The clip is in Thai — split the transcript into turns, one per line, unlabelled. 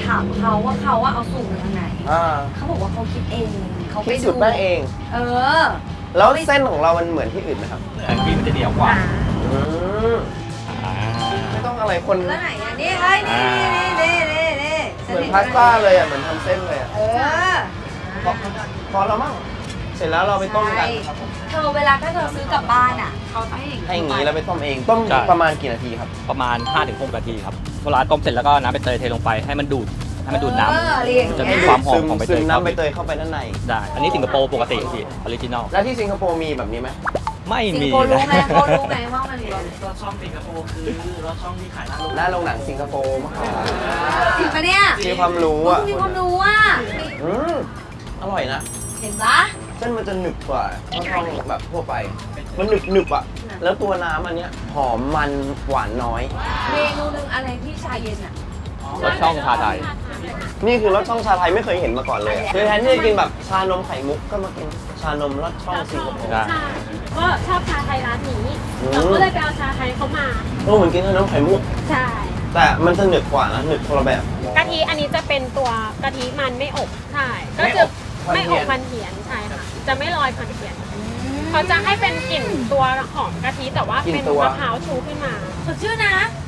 ถามเขาว่าเขาว่าเอาสูตรมาจากไหนเขาบอกว่าเขาคิดเองเขาไป
คิด
ดู
สูตรแป้งเอง
เออ
แล้วเส้นของเรามันเหมือนที่อื่นไหมครับ
แต่พี่มันจะเหนียวกว่า
อืมไม่ต้องอะไรคน
แล้วไหนอ่ะนี่เฮ้ยนี่
เหมือนพาสต้าเลยอ่ะเหมือนทำเส้นเลยอ่ะ
เออ
พอแล้วมั้งเสร็จแล้วเราไปต้มกันครับผม
เธอเวลาถ้าเธอซื้อกลับบ้านอ่ะเขาจะให้
ให้อย่างนี้แล้วไปต้มเองต้ม
ใช่
ประมาณกี่นาทีครับ
ประมาณ 5-6 นาทีครับเวลาต้มเสร็จแล้วก็น้ำใบเตยเทลงไปให้มันดูดน้ำจะมีความหอมของใบเต
ซึ
ย
มน้ำใบเตยเข้าไปด้านใน
ได้ อันนี้สิงคโปร์ปกติพี่ออริจินอล
แล้วที่สิงคโปร์มีแบบนี้ไหม
ไม่
สิง
มี
คโปร์รู้
นะ
ไหมเขารู้ไหมว่ามันมีรส
รถช่องสิงคโปร์คือรถช่องที่ขายหน้าโรง
หน้าโรงหนังสิงคโปร์มาก
จริงปะเนี่ย
มีความรู้
มึ
อ่ะ
งมีความรู้อ่ะ
อืมอร่อยนะ
เห็นปะ
เส้นมันจะหนึบกว่าข้าวทองแบบทั่วไป มันหนึบอ่ะ แล้วตัวน้ำอันเนี้ยหอมมันหวานน้อย
เมนูหนึงอะไรที่ชาเย็นอ่ะ
รสช่องชาไทย
นี่คือรสช่องชาไทยไม่เคยเห็นมาก่อนเลยอะคือแทนที่จะกินแบบชานมไข่มุกก็มากินชานมรสช่องสิงคโปร์
ได้
ใช่ก็ชอบชาไทยร้านนี้
อืม
เราก็เลยไปเอาชาไทยเขามา
เหมือนกินชานมไข่มุก
ใช่
แต่มันจะหนึบกว่านะหนึบคนละแบบ
กะทิอันนี้จะเป็นตัวกะทิมันไม่อบใช่ก็จะไม่อบพันเทียนใช่ค่ะจะไม่ลอยพันเทียนเขาจะให้เป็นกลิ่นตัวหอมกะทิแต่ว่าเป็นมะพร้าวชูขึ้นมา
สดชื่นนะ